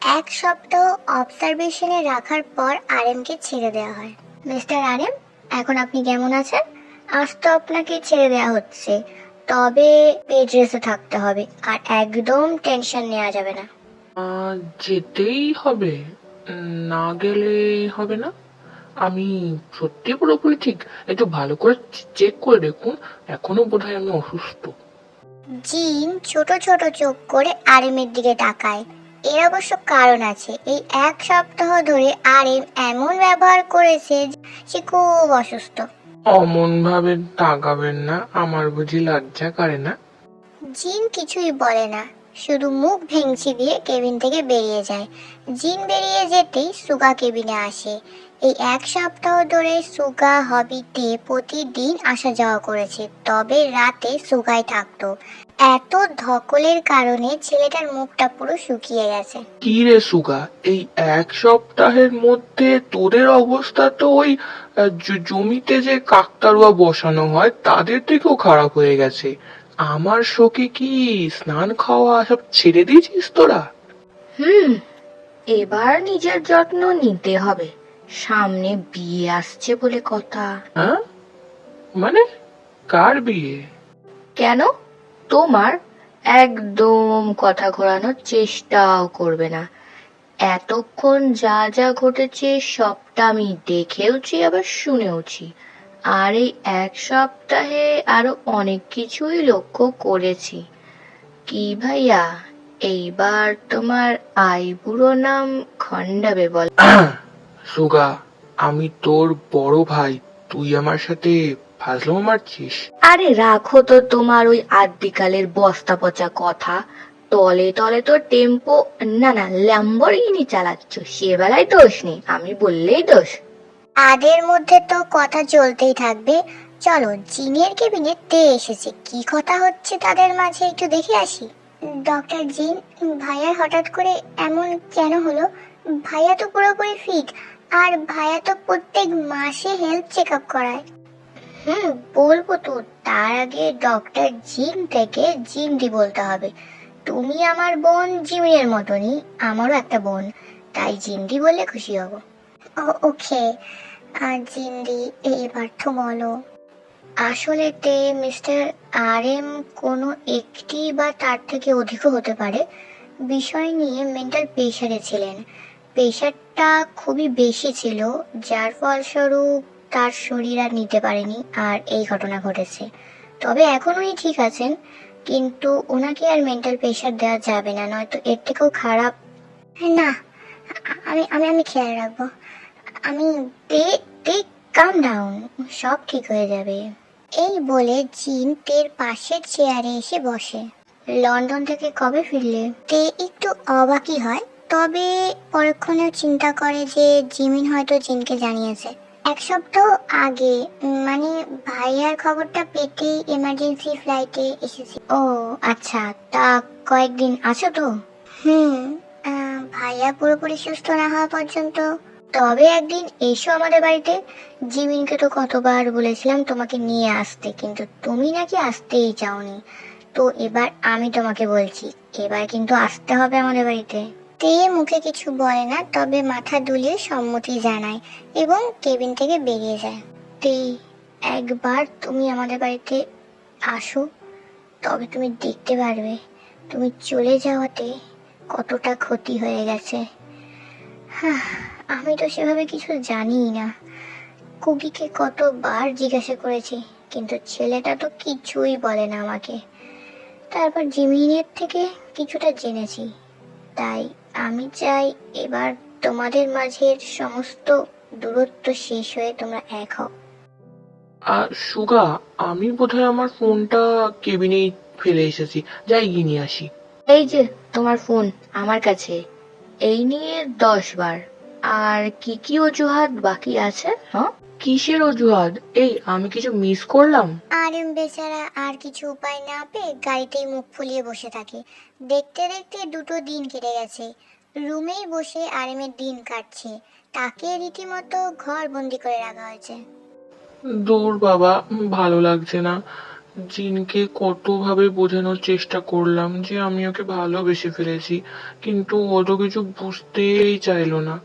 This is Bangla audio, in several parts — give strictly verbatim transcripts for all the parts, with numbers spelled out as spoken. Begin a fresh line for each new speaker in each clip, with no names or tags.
এক সপ্তাহ অবজারভেশনে রাখার পর আরএমকে ছেড়ে দেওয়া হয়। মিস্টার আরএম, এখন আপনি কেমন আছেন? আজ তো আপনাকে ছেড়ে দেওয়া হচ্ছে, তবে বেড রেস্টে থাকতে হবে আর একদম টেনশন নেওয়া যাবে না।
আহ, যেতেই হবে। উম, না গেলে হবে না। আমি সত্যি পুরোপুরি ঠিক। একটু ভালো করে চেক করে দেখুন। এখনো বোধহয় আমি অসুস্থ।
জিন ছোট ছোট চোখ করে আরএমের দিকে তাকায়। এর অবশ্য কারণ আছে। এই এক সপ্তাহ ধরে আরএম এমন ব্যবহার করেছে যে সে খুব অসুস্থ।
অমন ভাবে তাকাবেন না, আমার বুঝি লজ্জা করে না?
জিন কিছুই বলে না, শুধু মুখ ভেঙচি দিয়ে কেবিন থেকে বেরিয়ে যায়। জিন বেরিয়ে যেতেই সুগা কেবিনে আসে। এই এক সপ্তাহ ধরে সুগা হবিতে প্রতিদিন আসা যাওয়া করেছে, তবে রাতে সুগাই থাকতো। এত ধকলের কারণে ছেলেটার মুখটা পুরো শুকিয়ে গেছে।
কি রে সুগা, এই এক সপ্তাহের মধ্যে তোদের অবস্থা তো ওই আহ, জ- জমিতে যে কাকতাড়ুয়া বসানো হয় তাদের থেকেও খারাপ হয়ে গেছে। আমার শোকে কি স্নান খাওয়া সব ছেড়ে দিয়েছিস তোরা?
হুম, এবার নিজের যত্ন নিতে হবে। সামনে বিয়ে আসছে বলে কথা।
হ্যাঁ, মানে কার বিয়ে?
কেন? তোমার। একদম কথা ঘোরানোর চেষ্টাও করবে না। এতক্ষণ যা যা ঘটেছে সবটা আমি দেখেওছি, আবার শুনেওছি। আর এই এক সপ্তাহে আরো অনেক কিছুই লক্ষ্য করেছি। কি ভাইয়া, এইবার তোমার আইবুড়ো নাম খণ্ডাবে বল?
সুগা, আমি তোর বড় ভাই, তুই আমার সাথে ফাজলামো মারছিস?
আরে রাখো তো তোমার ওই আদ্যিকালের বস্তা পচা কথা। তলে তলে তো টেম্পো, না না ল্যাম্বরগিনি চালাচ্ছ, সে বেলায় দোষ নেই, আমি বললেই দোষ।
তাদের মধ্যে তো কথা চলতেই থাকবে। চলো, জিনের কেবিনে তে এসেছে, কি কথা হচ্ছে তাদের মাঝে একটু দেখে আসি। ডক্টর জিন, ভাইয়ার হঠাৎ করে এমন কেন হলো? ভাইয়া তো পুরোপুরি ফিট, আর ভাইয়া তো প্রত্যেক মাসে হেলথ চেক আপ করায়। হুম, বলবো তো, তার আগে ডক্টর জিন থেকে জিন্দি বলতে হবে। তুমি আমার বোন জিমিনের মতনই, আমারও একটা বোন, তাই জিন্দি বললে খুশি হব। ও- ওকে। আর জিন্দি, এইবার তো বলো। আসলে তে মিস্টার আর এম কোনো একটি বা তার থেকে অধিকও হতে পারে বিষয় নিয়ে মেন্টাল প্রেশারে ছিলেন। প্রেশারটা খুবই বেশি ছিল, যার ফলস্বরূপ তার শরীর আর নিতে পারেনি, আর এই ঘটনা ঘটেছে। তবে এখন উনি ঠিক আছেন, কিন্তু ওনাকে আর মেন্টাল প্রেশার দেওয়া যাবে না, নয়তো এর থেকেও খারাপ। না, আ- আমি আমি আমি খেয়াল রাখবো। আমি তে তে কাম ডাউন, সব ঠিক হয়ে যাবে। এই বলে জিন তের পাশের চেয়ারে এসে বসে। লন্ডন থেকে কবে ফিরলে? তে একটু অবাকই হয়, তবে পরক্ষণেও চিন্তা করে যে জিমিন হয়তো জিনকে জানিয়েছে। এক সপ্তাহ আগে, উম, মানে ভাইয়ার খবরটা পেতেই এমার্জেন্সি ফ্লাইটে এসেছি। ও আচ্ছা, তা কয়েকদিন আছো তো? হুম, আহ, ভাইয়া পুরোপুরি সুস্থ না হওয়া পর্যন্ত। তবে একদিন এসো আমাদের বাড়িতে। জিমিনকে তো কতবার বলেছিলাম তোমাকে নিয়ে আসতে, কিন্তু তুমি নাকি আসতেই চাওনি। তো এবার আমি তোমাকে বলছি, এবার কিন্তু আসতে হবে আমাদের বাড়িতে। তে মুখে কিছু বলে না, তবে মাথা দুলিয়ে সম্মতি জানায় এবং কেবিন থেকে বেরিয়ে যায়। তে, একবার তুমি আমাদের বাড়িতে আসো, তবে তুমি দেখতে পারবে তুমি চলে যাওয়াতে কতটা ক্ষতি হয়ে গেছে। হাহ, আমি তো সেভাবে কিছু জানিই না। কুকিকে কতবার জিজ্ঞাসা করেছি, কিন্তু ছেলেটা তো কিছুই বলে না আমাকে। তারপর জিমিনের থেকে কিছুটা জেনেছি, তাই আমি চাই এবার তোমাদের মাঝের সমস্ত দূরত্ব শেষ হয়ে তোমরা এক হও।
আর সুগা, আমি বোধহয় আমার ফোনটা কেবিনেই ফেলে এসেছি, যাই গিয়ে নিয়ে আসি।
এই যে তোমার ফোন আমার কাছে, এই নিয়ে দশ বার। আর কি কি অজুহাত বাকি আছে? হ্যাঁ,
কিসের অজুহাত? এই, আমি কিছু মিস করলাম?
আর এম বেচারা আর কিছু উপায় না পেয়ে গাড়িতেই মুখ ফুলিয়ে বসে থাকে। দেখতে দেখতে দুটো দিন কেটে গেছে। রুমেই বসে আরেমের দিন কাটছে। তাকে রীতিমতো ঘর বন্দি করে রাখা হয়েছে।
দূর বাবা, ভালো লাগছে না। জিনকে কতভাবে বোঝানোর চেষ্টা করলাম যে আমি ওকে ভালোবেসে ফেলেছি, কিন্তু ও তো কিছু বুঝতেই চাইলো না।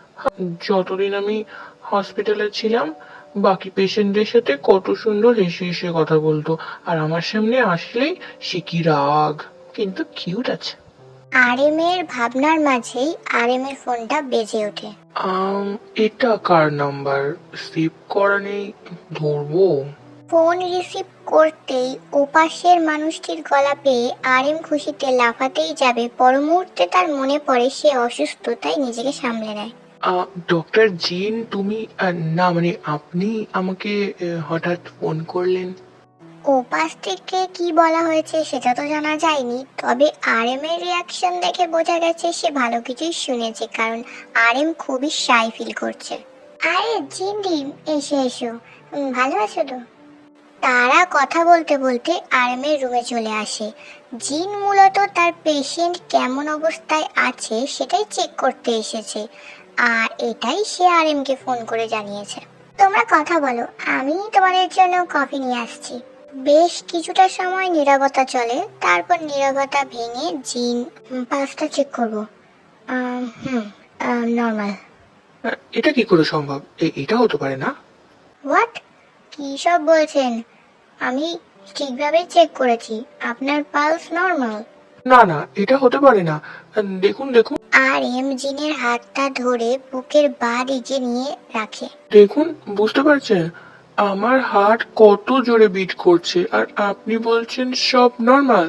যতদিন আমি হসপিটালে ছিলাম বাকি পেশেন্টদের সাথে কত সুন্দর হেসে হেসে কথা বলতো, আর আমার সামনে আসলেই সে কি রাগ, কিন্তু কিউট আছে।
আর এম এর ভাবনার মাঝেই আর এম এর ফোনটা বেজে ওঠে।
আম এটা কার নাম্বার? সেভ করা নেই, ধরবো?
ফোন রিসিভ করতেই ওপাশের মানুষটির গলা পেয়ে আর এম খুশিতে লাফাতেই যাবে, পর মুহূর্তে তার মনে পড়ে সে অসুস্থ, তাই নিজেকে সামলে নেয়।
ডক্টর জিন, তুমি আহ, না মানে আপনি আমাকে আহ, হঠাৎ ফোন করলেন?
ওপাশ থেকে কি বলা হয়েছে সেটা তো জানা যায়নি, তবে আর এম এর রিয়াকশন দেখে বোঝা গেছে সে ভালো কিছুই শুনেছে, কারণ আর এম খুবই শাই ফিল করছে। আরে জিন্দি, এসো এসো, উম, ভালো আছো তো? তারা কথা বলতে বলতে আর এম এর রুমে চলে আসে। জিন মূলত তার পেশেন্ট কেমন অবস্থায় আছে সেটাই চেক করতে এসেছে, আর এটাই সে আর এম কে ফোন করে জানিয়েছে। তোমরা কথা বলো, আমি তোমাদের জন্য কফি নিয়ে আসছি। বেশ কিছুটা সময় নীরবতা চলে, তারপর নীরবতা ভেঙে জিন, পাঁচটা চেক করবো। আম, হুম নর্মাল।
আহ, এটা কি করে সম্ভব? এ- এটা হতে পারে না।
হোয়াট? কি সব বলছেন? আমি ঠিকভাবে চেক করেছি, আপনার পালস নর্মাল।
না না, এটা হতে পারে না। আহ, দেখুন দেখুন
আর এম জিনের হাতটা ধরে বুকের বাঁ দিকে নিয়ে রাখে।
দেখুন, বুঝতে পারছেন আমার হার্ট কত জোরে বিট করছে, আর আপনি বলছেন সব নর্মাল?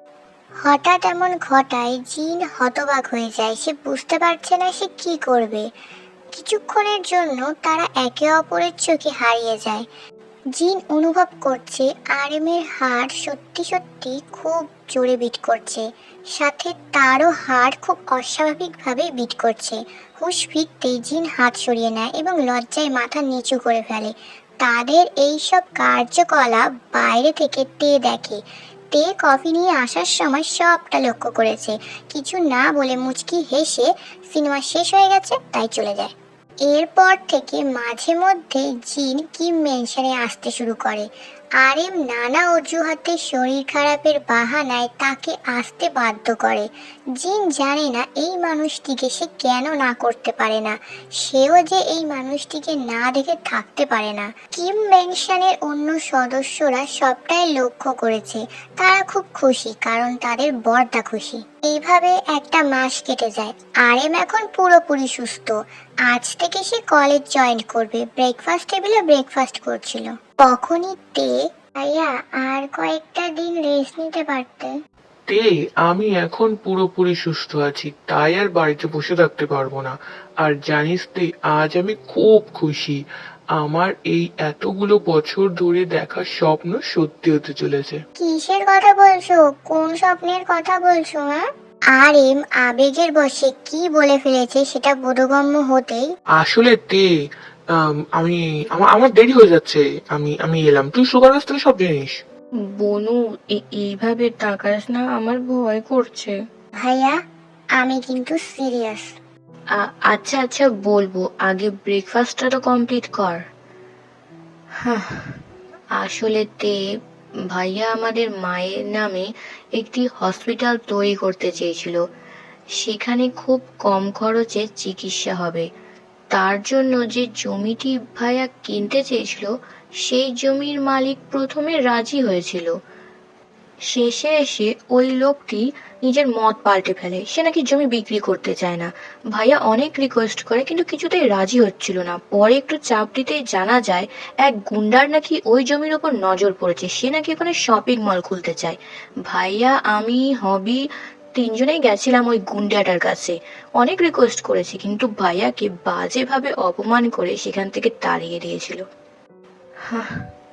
হঠাৎ এমন ঘটায় জিন হতবাক হয়ে যায়, সে বুঝতে পারছে না সে কি করবে। কিছুক্ষণের জন্য তারা একে অপরের চোখে হারিয়ে যায়। জিন অনুভব করছে আর এম এর হার্ট সত্যি সত্যি খুব জোরে বিট করছে, সাথে তারও হার্ট খুব অস্বাভাবিকভাবে বিট করছে। হুঁশ ফিরতেই জিন হাত সরিয়ে নেয় এবং লজ্জায় মাথা নিচু করে ফেলে। তাদের এই সব কার্যকলাপ বাইরে থেকে তে দেখে। তে কফি নিয়ে আসার সময় সবটা লক্ষ্য করেছে, কিছু না বলে মুচকি হেসে সিনেমা শেষ হয়ে গেছে তাই চলে যায়। এরপর থেকে মাঝে মধ্যে জিন কিম মেনশনে আসতে শুরু করে। আর এম নানা অজুহাতে শরীর খারাপের বাহানায় তাকে আসতে বাধ্য করে। জিন জানে না এই মানুষটিকে সে কেন না করতে পারে না, সেও যে এই মানুষটিকে না দেখে থাকতে পারে না। কিম মেনশনের অন্য সদস্যরা সবটাই লক্ষ্য করেছে, তারা খুব খুশি কারণ তাদের বরদা খুশি। এইভাবে একটা মাস কেটে যায়। আর এম এখন পুরোপুরি সুস্থ। আজ থেকে সে কলেজ জয়েন করবে। ব্রেকফাস্ট টেবিলে ব্রেকফাস্ট করছিল তখনই তে, ভাইয়া আর কয়েকটা দিন রেস্ট নিতে পারতে।
তে, আমি এখন পুরোপুরি সুস্থ আছি, তাই আর বাড়িতে বসে থাকতে পারবো না। আর জানিস তে, আজ আমি খুব খুশি। আমার এই এতগুলো বছর ধরে দেখা স্বপ্ন সত্যি হতে চলেছে।
কিসের কথা বলছো? কোন স্বপ্নের কথা বলছো? হ্যাঁ? আর এম আবেগের বশে কি বলে ফেলেছে সেটা বোধগম্য হতেই,
আসলে তে, আম, আমি আমার আমার দেরি হয়ে যাচ্ছে, আমি আমি এলাম। তুই সুগার থেকে সব জানিস।
বনু, এ- এইভাবে তাকাস না, আমার ভয় করছে।
ভাইয়া আমি কিন্তু সিরিয়াস।
আ- আচ্ছা আচ্ছা বলবো, আগে ব্রেকফাস্টটা তো কমপ্লিট কর। হাহ, আসলে তে, ভাইয়া আমাদের মায়ের নামে একটি হসপিটাল তৈরি করতে চেয়েছিল। সেখানে খুব কম খরচে চিকিৎসা হবে। তার জন্য যে জমিটি ভাইয়া কিনতে চেয়েছিল, সেই জমির মালিক প্রথমে রাজি হয়েছিল। শেষে এসে ওই লোকটি নিজের মত পাল্টে ফেলে, সে নাকি জমি বিক্রি করতে চায় না। ভাইয়া অনেক রিকোয়েস্ট করে কিন্তু কিছুতেই রাজি হচ্ছিল না। পরে একটু চাপ দিতেই জানা যায় এক গুন্ডার নাকি ওই জমির ওপর নজর পড়েছে, সে নাকি ওখানে শপিং মল খুলতে চায়। ভাইয়া, আমি, হবি তিনজনেই গেছিলাম ওই গুন্ডাটার কাছে। অনেক রিকোয়েস্ট করেছি কিন্তু ভাইয়াকে বাজেভাবে অপমান করে সেখান থেকে তাড়িয়ে দিয়েছিল। হাহ,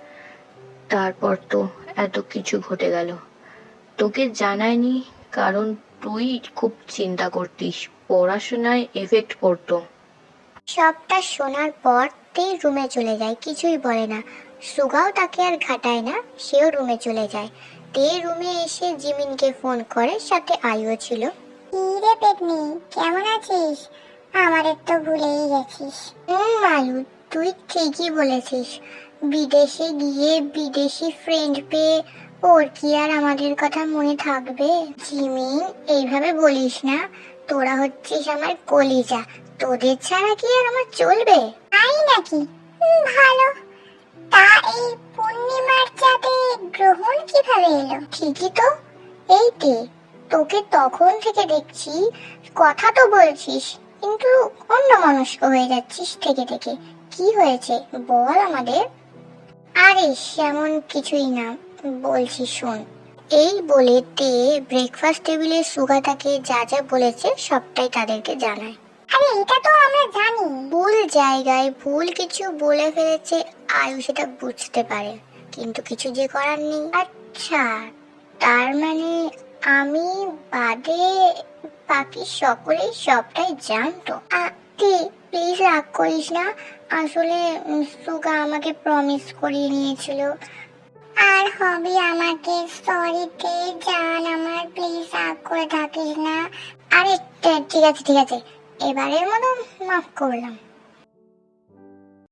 তারপর তো এত কিছু ঘটে গেল। তোকে জানায়নি কারণ তুই খুব চিন্তা করতিস, পড়াশোনায় এফেক্ট পড়তো।
সবটা শোনার পর তে রুমে চলে যায়, কিছুই বলে না। সুগাও তাকে আর ঘাটায় না, সেও রুমে চলে যায়। তে রুমে এসে জিমিনকে ফোন করে, সাথে আইও ছিল। কি রে পেতনি, কেমন আছিস? আমাদের তো ভুলেই গেছিস। হুম মালু, তুই ঠিকই বলেছিস। বিদেশে গিয়ে বিদেশি ফ্রেন্ড পেয়ে ওর কি আর আমাদের কথা মনে থাকবে? জিমিন, এইভাবে বলিস না, তোরা হচ্ছিস আমার কলিজা, তোদের ছাড়া কি আর আমার চলবে? তাই নাকি? ভালো। তা এই পূর্ণিমার চাঁদে গ্রহণ কিভাবে এলো? ঠিকই তো, এই তে, তোকে তখন থেকে দেখছি, কথা তো বলছিস কিন্তু অন্যমনস্ক হয়ে যাচ্ছিস থেকে থেকে। কি হয়েছে বল আমাদের। আরে সেমন কিছুই না, বলছি শোন। এই বলে তে ব্রেকফাস্ট টেবিলে সুগাতাকে যা যা বলেছে সবটাই তাদেরকে জানায়। আরে এটা তো আমরা জানি। ভুল জায়গায় ভুল কিছু বলে ফেলেছে আয়ু সেটা বুঝতে পারে, কিন্তু কিছু যে করার নেই। আচ্ছা, তার মানে আমি বাদে বাকি সকলেই সবটাই জানতো। প্লিজ রাগ করিস না, আসলে উম, সুগা আমাকে প্রমিস করিয়ে নিয়েছিল। আর হবে আমাকে সরি তে জান, আমার প্লিজ রাগ করে থাকিস না। আরে তে- ঠিক আছে ঠিক আছে, এবারের মতো মাফ করলাম।